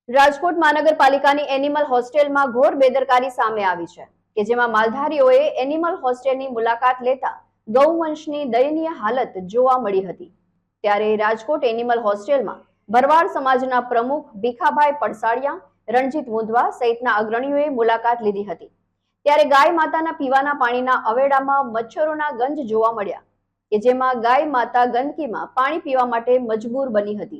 રાજકોટ મહાનગરપાલિકાની એનિમલ હોસ્ટેલમાં ઘોર બેદરકારી સામે આવી છે કે જેમાં માલધારીઓએ એનિમલ હોસ્ટેલની મુલાકાત લેતા ગૌવંશની દયનીય હાલત જોવા મળી હતી। ત્યારે રાજકોટ એનિમલ હોસ્ટેલમાં ભરવાડ સમાજના પ્રમુખ ભીખાભાઈ પડસાળિયા, રણજીત મુંદવા સહિતના અગ્રણીઓએ મુલાકાત લીધી હતી। ત્યારે ગાય માતાના પીવાના પાણીના અવેડામાં મચ્છરોના ગંજ જોવા મળ્યા કે જેમાં ગાય માતા ગંદકીમાં પાણી પીવા માટે મજબૂર બની હતી।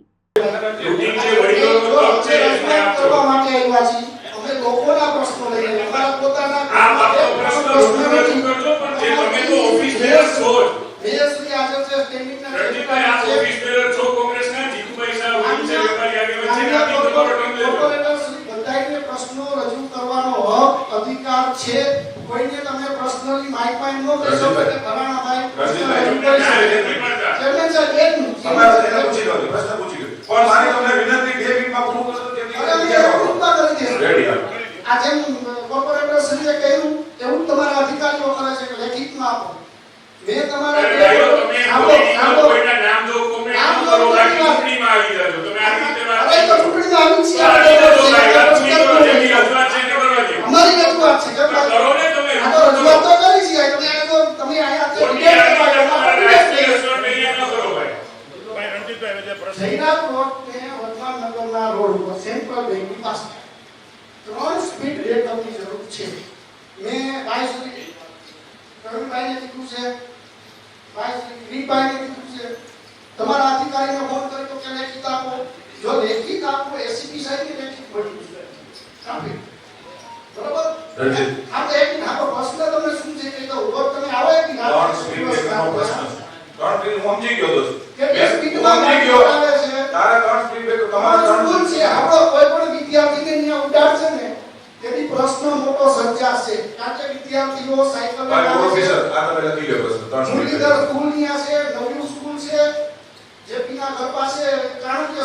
अधिकार छे कोઈને તમે પર્સનલી માઈક માં નો કહેશો કે ફલાણા ભાઈ ચેરમેન સાહેબ એક મિનિટ તમારે એને પૂછી લો પ્રશ્ન પૂછી લો પણ મારી તમને વિનંતી 2 મિનિટમાં પૂરું કરો કે પૂર્ણતા કરી દે રેડી આ જેમ કોર્પોરેટર શ્રીએ કહ્યું એવું તમારા અધિકારીઓ કરે છે કે લેખિતમાં આપો મેં તમારા કોઈના નામ જો કોમેન્ટ ન કરો બાકી ચૂંટણીમાં આવી જજો તમે આ રીતે વાત અરે તો ચૂંટણીમાં આવી છે અમારી રજૂઆત છે કે કરો ને તમે આ તો રજૂઆત તો કરી છે તમે આયા જયરાજ રોડ ને વર્ધમાન નગરના રોડ ઉપર સેન્ટ્રલ બેંકની પાસે 3 સ્પીડ બ્રેકરની જરૂર છે। મેં ભાઈ સુધી પ્રવીણભાઈને કીધું છે, ભાઈ સુધી ગ્રીનભાઈને કીધું છે, તમારા અધિકારીને ફોન કરી તો કે લેખિત આપો, જો લેખિત આપો એસીપી સાહેબને લેખિત મળ્યું છે ટ્રાફિક બરોબર રણજીત આ તો એક નાનો પ્રશ્ન તમને શું છે કે તો ઉપર તમે આવો એક નાનો પ્રશ્ન 3 સ્પીડ હું સમજી ગયો દોસ્ત કે સ્પીડમાં સમજી ગયો તારા 3 સ્પીડ બ્રેક તમારા સ્કૂલ છે આપણો કોઈ પણ વિદ્યાર્થીને અહીંયા ઉડાડશે ને તેથી પ્રશ્ન મોટો સર્જાશે કારણ કે વિદ્યાર્થીઓ સાયકલ ભાઈ પ્રોફેસર આ તમે લખી લો પ્રશ્ન 3 સ્પીડ મુરલીધર સ્કૂલ ની છે, નવયુગ સ્કૂલ છે, જેપીના ઘર પાસે ચાણક્ય